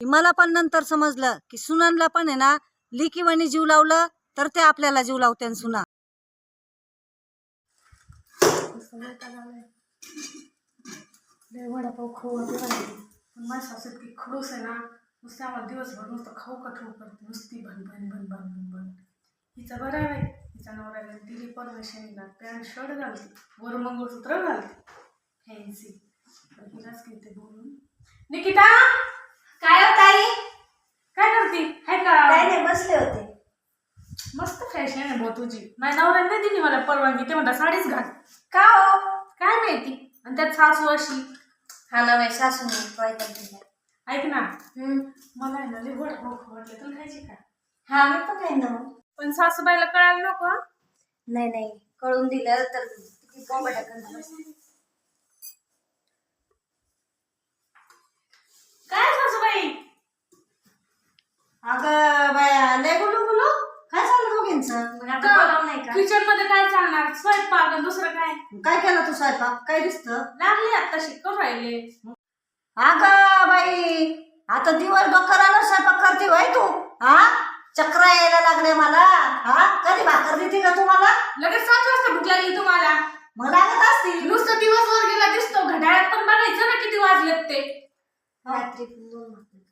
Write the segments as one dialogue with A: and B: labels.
A: मला पण नंतर समजलं की सुनांना पण आहे ना लिकीवाणी जीव लावलं तर ते आपल्याला जीव लावते सुना.
B: वडापाव खाऊ पण माझी सासू इतकी खडूस आहे ना, नुसतं आम्हाला दिवसभर नुसतं खाऊ का ठेवू करते, नुसती भन भन भन भन भन भन. हिचा बरं आहे, हिचा नवऱ्याला दिली परमेश्वरीला पॅन्ट शर्ट घालते, वर मंगळसूत्र घालते फॅन्सी. हिलाच घेते बोलून. निकिता
C: काय हो ताई?
B: काय करते? हाय का?
C: काय नाही, बसले होते.
B: मस्त फॅशन आहे भाऊ तुझी. माझ्या नवऱ्याने दिली मला परवानगी, ते म्हणता साडीच घाल.
C: का हो?
B: काय माहिती. आणि त्यात सासू अशी.
C: हा ना, माझी सासू नाही.
B: ऐक ना, मला आहे ना लय वडापाव खाऊ वाटलं, तुला खायची का?
C: हा, मी पण आहे ना.
B: पण सासूबाईला कळायला नको.
C: नाही कळून दिलं तर किती बोंबाटा करत बसते.
B: काय सासूबाई?
A: अगं बाया लय गुलू गुलू काय चाललं दोघींचं?
C: मग आता बोलावं नाही का?
B: किचन मध्ये काय चालणार? स्वयंपाक आणि दुसरं काय?
A: काय केलं तू स्वयंपाक? काय दिसतं?
B: लागले आता शिकव राहिले.
A: अगं बाई आता दिवस डोकराला स्वयंपाक करते होय तू? हा चक्र यायला लागले मला. हा कधी भाकर देते का तुम्हाला?
B: लगेच 7 वाजता भूक लागली तुम्हाला?
A: मग लागत असतील.
B: नुसतं दिवसभर गेला दिसतो, घड्याळात पण बघायचं ना किती वाजलेत ते.
C: रात्री 2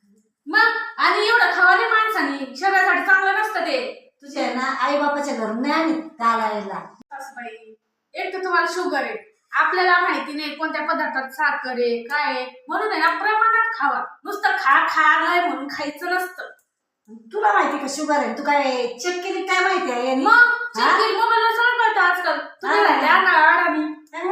B: मग आणि एवढं खावाने माणसाने शरीरासाठी चांगलं नसतं ते.
A: तुझ्या ना आई बापाच्या घरून नाही आणि घालायला.
B: सासूबाई, एक तर तुम्हाला शुगर आहे, आपल्याला माहिती नाही कोणत्या पदार्थात साखर आहे काय आहे, म्हणून आहे ना प्रमाणात खावा. नुसतं खायलाय म्हणून खायचं नसतं.
A: तुला माहिती का शुगर आहे? तू काय चेक केली काय माहिती आहे?
B: मग मोबाईलवर सगळं कळतं आजकाल. तुम्ही राहिले अडाणी.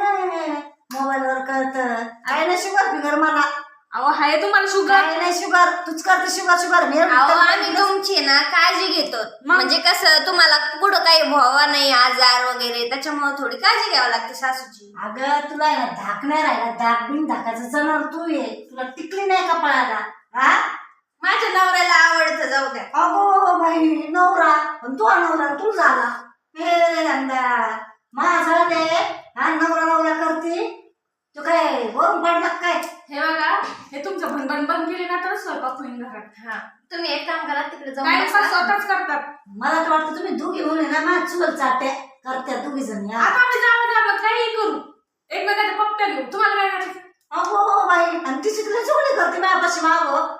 A: मोबाईलवर कळतं. आहे ना शुगर फिगर मला?
B: अहो हाय तुम्हाला शुगर?
A: काय नाही शुगर, तूच करते शुगर शुगर.
C: आम्ही तुमची ना काळजी घेतो, म्हणजे कसं तुम्हाला पुढं काही व्हावा नाही आजार वगैरे, त्याच्यामुळे थोडी काळजी घ्यावी लागते सासूची.
A: अगं तुला आहे ना धाक नाही राहिला, धाक बिन धाकाचं जनावर तू ये. तुला टिकली नाही का पळायला? हा
C: माझ्या नवऱ्याला आवडतं, जाऊ द्या.
A: अगो बाई नवरा पण तू नवरा तू झाला. हे नंदा माझा ते हा नवरा नवरा करते. तू काय वरून पडला काय?
B: हे बघा, हे तुमचं भनभन बंद केले ना तर स्वयंपाक होईल घरात.
C: हा, तुम्ही एक काम करा, तिकडे जाऊन
B: काय
C: बसा.
B: स्वतःच करतात.
A: मला तर वाटतं तुम्ही दोघी म्हणून ना माझ्या चुल चाट्या करत्या दोघी जणी.
B: आता आम्ही जावं काहीही करू, एकमेकाच्या पप्प्या घेऊ, तुम्हाला काय करायचं?
A: अगो बाई आणि तिची तुला चोळी करते माझ्यापाशी मागं.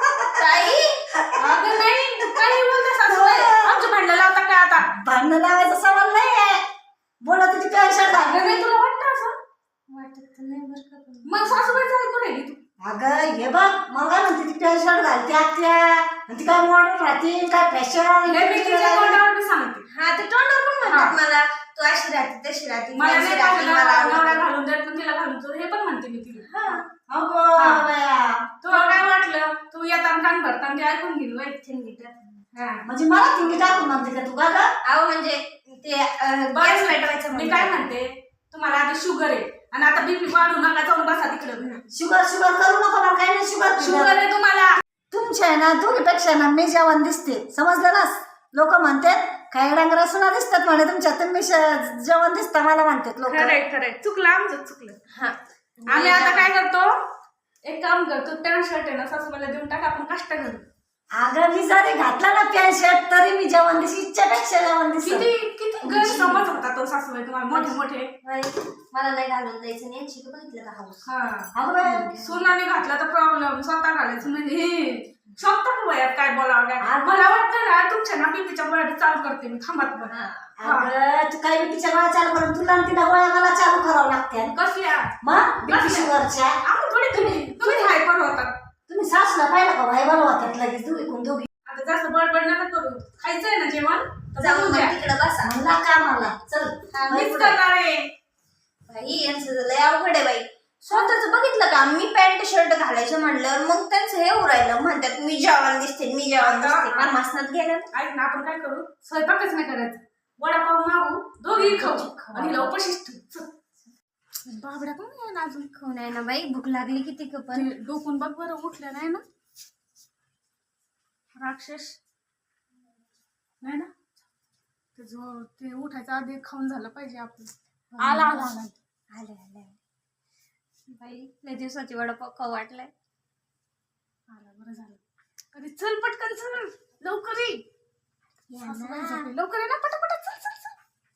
C: ताई
B: अगं नाही, काही बोलता सासूबाई, आमचं भांडण लावता काय आता?
A: भांडण लावायचा सवाल नाहीये. बोला तुझी काय शर्ट
B: अगं नाही, तुला वाटतं असं?
C: वाटत नाही बरं का पण.
B: मग सासूबाईचं ऐकून राहिली तू.
A: अगं हे बघ मला म्हणते ती पॅन्ट शर्ट घालते आत्या आणि ती काय मॉडर्न राहते काय फॅशन.
B: हे मी तिच्या तोंडावर बी सांगते.
C: हा, ते तोंडावर पण म्हणतात मला, तू अशी राहते तशी राहते,
B: मला
C: तशी
B: नाही
C: राहते, मला
B: नवरा
C: आवडतं.
B: घालून देत पण तिला घालून देतो, हे पण म्हणते मी तिला.
C: हा,
A: अगो बाया
B: तुला काय वाटलं? तू येताना कान भरताना ते ऐकून घेईल वय.
C: थिंडीत.
B: हा.
A: म्हणजे मला थिंगी टाकून म्हणते का तू का गं?
C: अहो म्हणजे ते गॅस पेटवायचं
B: मी काय म्हणते, तुम्हाला आधी शुगर आहे आणि आता बीपी वाढू नका, जाऊन बसा तिकडं.
A: शुगर शुगर करू नका मला काही नाही शुगर
B: शुगर आहे तुम्हाला.
A: तुमच्या आहे ना दोघीपेक्षा ना मी जेवण दिसते, समजलं ना? लोक म्हणतात काय डांगरा सुना दिसतात म्हणे तुमच्या, तुम्ही जेवण दिसता मला म्हणतात लोक.
B: खरंय खरंय, चुकलं आमचं, चुकलं.
C: हा,
B: आम्ही आता काय करतो, एक काम करतो, पॅन्ट शर्ट आहे ना सासूबाईला देऊन टाका, आपण कष्ट करू.
A: अगं मी जरी घातला ना पॅन्ट शर्ट तरी मी जेवण दिस इच्छापेक्षा जेवण दिस.
B: किती किती गैरसमज होता तो सासूबाई तुम्हाला, मोठे मोठे.
C: बाई, मला नाही घालून द्यायचं नाही, शिकू बघितलं का हाऊस.
B: हा,
A: अगं बाई,
B: सुनाने घातला तर प्रॉब्लेम, स्वतः घालायचं म्हणजे हे स्वतः वयात काय बोलावं काय. मला वाटतं ना तुमच्या ना बीपीच्या गोळ्या चालू करते मी, थांबत पण.
A: अगं तू काय मी तिच्या गोळ्या चालू करून तुला आणि तिला गोळ्या मला चालू करावं लागते.
B: कसल्या?
A: मग बीपी शुगरच्या.
B: आम्ही थोडी तुम्ही हायपर होतात.
A: तुम्ही सासूला पाहिलं का भाई बनवा त्यात लगेच दोघी कोण दोघी.
B: आता जास्त बडबड नका करू, खायचंय ना जेवण तर
C: जाऊन
B: जाऊन
C: मग
B: द्या.
C: तिकडे बसा.
A: म्हणला का मला चल
B: मीच करणार आहे.
C: बाई यांचं लय अवघड आहे बाई. स्वतःच बघितलं का, मी पॅन्ट शर्ट घालायचं म्हणल्यावर मग त्यांचं हे उरायलं, म्हणतात मी जेवण दिसते, मी जेवण दिसते. मला मसनात गेलं.
B: ऐक ना, आपण काय करू, स्वयंपाकच नाही करायचं, वडापाव मागू, दोघी खाऊ आणि हिला उपाशीच ठेवू. बाबड्या पण नाही ना अजून.
C: खाऊ नाही ना बाई, भूक लागली किती पण.
B: ते डोकून बघ बरं, उठल्या नाही ना राक्षस, नाही ना? ते उठायचं आधी खाऊन झालं पाहिजे आपलं. आला आला आला
C: आले आले बाई, लय दिवसाची वडापाव खाऊ वाटलाय.
B: आला, बरं झालं. अरे चल पटकन चल लवकर ये. सासूबाई झोपली. लवकर ये ना पटापट चल चल चल.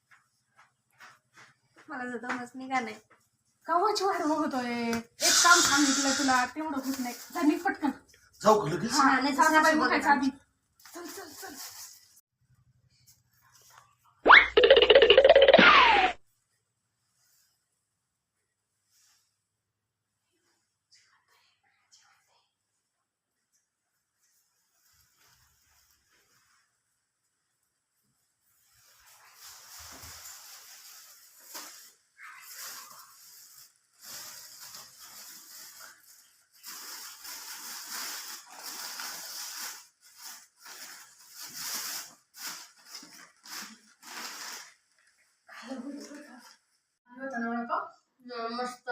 C: मला तर दमच निघा नाही.
B: गावाची वाट बघतोय. एक काम सांगितलं तुला तेवढं होत नाही. जा निघ पटकन.
D: जाऊ का लगेच?
C: हा, नाही तर
B: सासूबाई
C: सासू
B: उठायच्या
C: बघत
B: आधी. चल चल चल.
C: मस्त.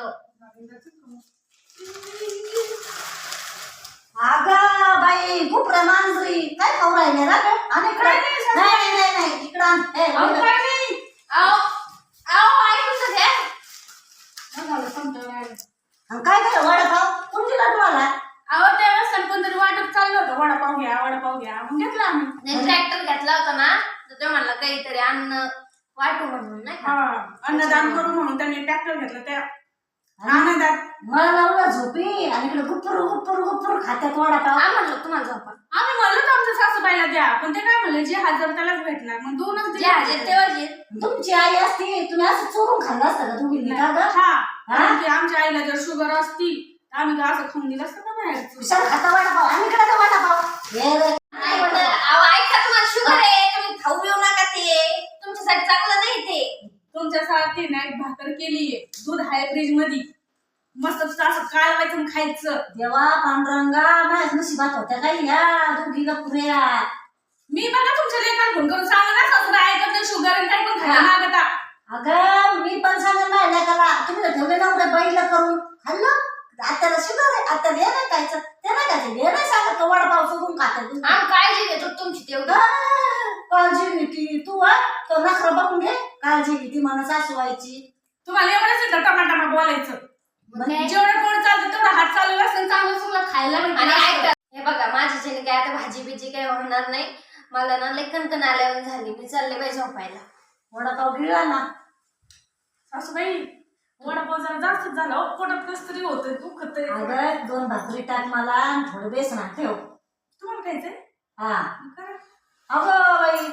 A: अगं बाई खूप मांजरी काय खाऊ राहिले ना गं? आणि इकडे नाही नाही नाही इकडं आण. ए,
B: अहो,
A: इकडं.
B: काय नाही.
C: आओ आओ ऐकून घ्या.
B: काय झालं समजा राहिलं.
A: आणि काय केलं वडापाव कोणती लाडू आला?
B: अहो त्यावेळेस कोणतरी वाटत चाललं होतं वडापाव घ्या मग घेतला आम्ही.
C: ट्रॅक्टर घेतला होता ना तर ते म्हणलं काहीतरी अन्न वाटू म्हणून नाही का.
B: हा अन्नदान करू म्हणून त्यांनी ट्रॅक्टर घेतलं त्या आनंदात.
A: मला लावला झोपी आणि इकडे गुप्पुरू गुप्पुरू गुप्पुरू खात्यात वडापाव.
C: हा म्हणलं तुम्हाला झोपा.
B: आम्ही म्हणलो तर आमच्या सासूबाईला द्या पण ते काय म्हणले जे हजर त्यालाच भेटणार मग दोनच
C: जे हजेर तेव्हा जे.
A: तुमची आई असती तुम्ही असं चोरून खाल्लं असतं का तुम्ही का गं?
B: हा कारण की आमच्या आईला जर शुगर असती तर आम्ही तर असं खाऊन दिलं असतं का बाहेरचं.
A: विशाल खाता वडापाव आणि इकडे का वडापाव हे रे.
C: नाही तर अहो ऐका तुम्हाला शुगर आहे तुम्ही खाऊ येऊ नका ते तुमच्यासाठी चांगलं नाही ते.
B: तुमच्यासाठी ना एक भाकर केलीये दूध आहे फ्रीज मध्ये मस्त असं कालवायचं आणि खायचं.
A: देवा पांडुरंगा माझ्या नशिबात होत्या काही या दोघीला पुऱ्या.
B: मी बघा तुमच्या लेखात फोन करून सांगा ना सासूबाई ऐकत नाही शुगर आणि काही पण खायला मागता.
A: अगं मी पण सांगेन माझ्या लेकाला तुम्ही तर ठेवले नव्हते बैल करून खाल्लं. आत्याला शुगर आहे आत्याला हे नाही खायचं ते नाही खायचं हे नाही सांगत तो वडापाव सोडून खातात.
C: आम्ही काळजी घेतो तुमची तेवढी.
A: काळजी घेती तू तो नखरा बघून घे काळजी घेती मला सासूबाईची.
B: तुम्हाला एवढंच येतं टमाटामा बोलायचं. जेवढं कोण चालतं तेवढं हात चालवलं असेल चांगलं चांगलं खायला
C: आणि
B: भेटलं
C: ऐका
B: असतं.
C: हे बघा माझ्याच्याने काय आता भाजी बिजी काही होणार नाही. मला ना लई कणकण आल्यावर झाली मी चालले बाई झोपायला.
A: वडापाव गिळला ना.
B: सासूबाई वडापाव जरा जास्तच झाला हो पोटात कसं तरी होतंय दुखतंय.
A: अगं 2 भाकरी टाक मला आणि थोडं बेसन ठेव.
B: तुम्हाला खायचंय
A: हा
B: करा.
A: अगं बाई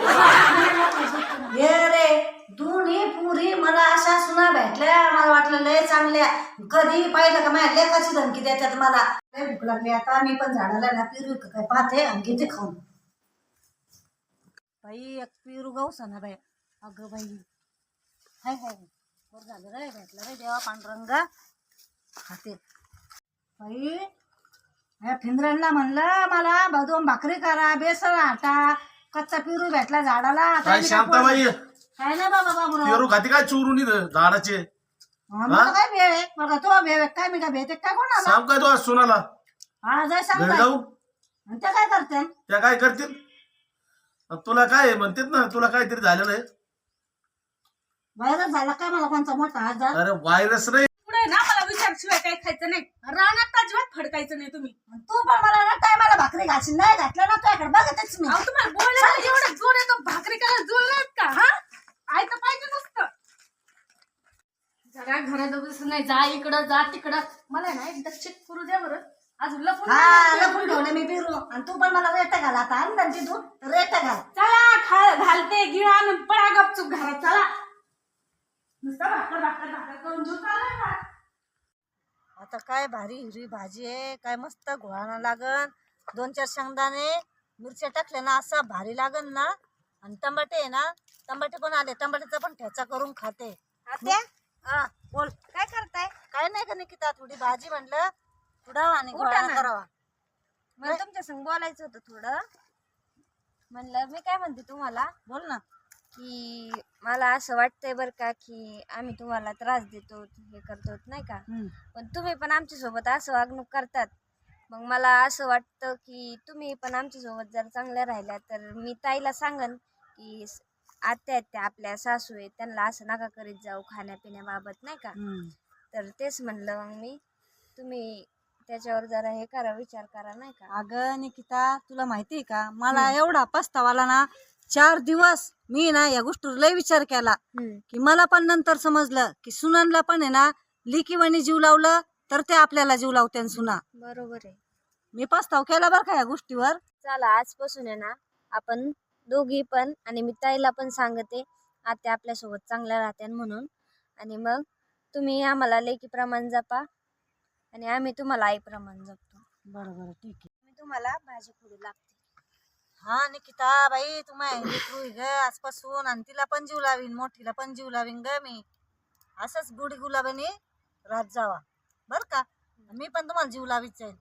A: हे रे दोन्ही पुरी मला अशा सुना भेटल्या मला वाटलं लय चांगल्या. कधी पाहिलं का माझ्या लेकाची धमकी देतात मला. लय भूक लागली आता मी पण झाडाला ना पिरू काय पाहते आणि घेते खाऊन. बाई एक पिरू गावसा ना बाई. अगं बाई हाय हाय बरं झालं रे भेटलं रे देवा पांडुरंगा खाते. बाई या फिंद्रांना म्हणलं मला 2 भाकरी करा बेसन आटा कच्चा पिरू भेटला झाडाला.
D: काय शांताबाई
A: काय ना बाबा बाबूराव
D: पेरू खाते काय चोरून इथं झाडाचे?
A: मला काय भेळ आहे बघा तो भेळ आहे काय मी काय भेटते काय कोणाला
D: सांग काय तो आज सोनाला
A: हा जाय सांग
D: घरी
A: बाई.
D: जाऊ
A: आणि त्या काय करते
D: त्या काय करतील? तुला काय आहे म्हणतात ना तुला काहीतरी झालेलं आहे.
A: व्हायरस झाला काय मला कोणचा मोठा आजार.
D: अरे व्हायरस नाही
B: पुढे ना मला विचारशिवाय काही खायचं नाही. रानात अजिबात फडकायचं नाही तुम्ही.
A: तू पण मला ना टायमाला भाकरी घालशील नाही घातलं ना तुझ्याकडे बघतच मी.
B: अहो तुम्हाला बोलायला एवढं जोर येतो भाकरी करायला जोर नाहीत का हा ऐकतं पाहिजे नसतं. जरा घरात बसून नाही जा इकडं जा तिकडं. मला ना एकदा चेक करू द्या बरं अजून लपून
A: हा लपून ठेवले मी पिरू आणि तू पण मला रेट घाल आता आणलं तिथून रेट घाल.
B: चला घालते गिळ आणून पळा गपचूप घरात चला. नुसतं भाकर भाकर भाकर करून जीव चाललाय का?
A: आता काय भारी हिरवी भाजी आहे काय मस्त घोळाना लागन 2-4 शेंगदाणे मिरच्या टाकल्या ना असा भारी लागन ना. आणि टमाटे आहे ना टमाटे पण आले टमाट्याचा पण ठेचा करून खाते.
C: आत्या
A: हा बोल
C: काय करताय?
A: काय नाही का निकिता थोडी भाजी म्हणलं उडावा आणि
C: उठा
A: घोळाना
C: ना.
A: करावा.
C: मला तुमच्या संग बोलायचं होतं थोडं. म्हणलं मी काय म्हणते तुम्हाला
A: बोल ना.
C: की मला असं वाटतंय बरं का की आम्ही तुम्हाला त्रास देतो हे करतो नाही का. पण तुम्ही पण आमच्यासोबत असं वागणूक करतात. मग मला असं वाटतं की तुम्ही पण आमच्यासोबत जर चांगल्या राहिल्या तर मी ताईला सांगन की आत्या आहेत त्या आपल्या सासू आहेत त्यांना असं नका करीत जाऊ खाण्यापिण्याबाबत नाही का. तर तेच म्हणलं मग मी तुम्ही त्याच्यावर जरा हे करा, विचार करा नाही का.
A: अगं निकिता, तुला माहिती आहे का, मला एवढा पस्तावाला ना, 4 दिवस मी ना या गोष्टीवर लय विचार केला. की मला पण नंतर समजलं की सुनांना पण आहे ना, लिकीवाणी जीव लावलं तर ते आपल्याला जीव लावते सुना.
C: बरोबर आहे.
A: मी पस्ताव केला बरं का या गोष्टीवर.
C: चला आजपासून आहे ना आपण दोघी पण, आणि मी ताईला पण सांगते आत्या आपल्यासोबत चांगल्या राहत्या म्हणून. आणि मग तुम्ही आम्हाला लेकीप्रमाणे जपा आणि आम्ही तुम्हाला आईप्रमाणे जपतो.
A: बरं बरं ठीक आहे.
C: मी तुम्हाला भाजी फोडू लागते.
A: हा निकिता बाई, तू माझी लेकरू आहे ग आजपासून, आणि तिला पण जीव लावीन, मोठीला पण जीव लावीन ग मी. असंच गुडी गुलाबाने रात जावा बर का. मी पण तुम्हाला जीव लावीत जाईल.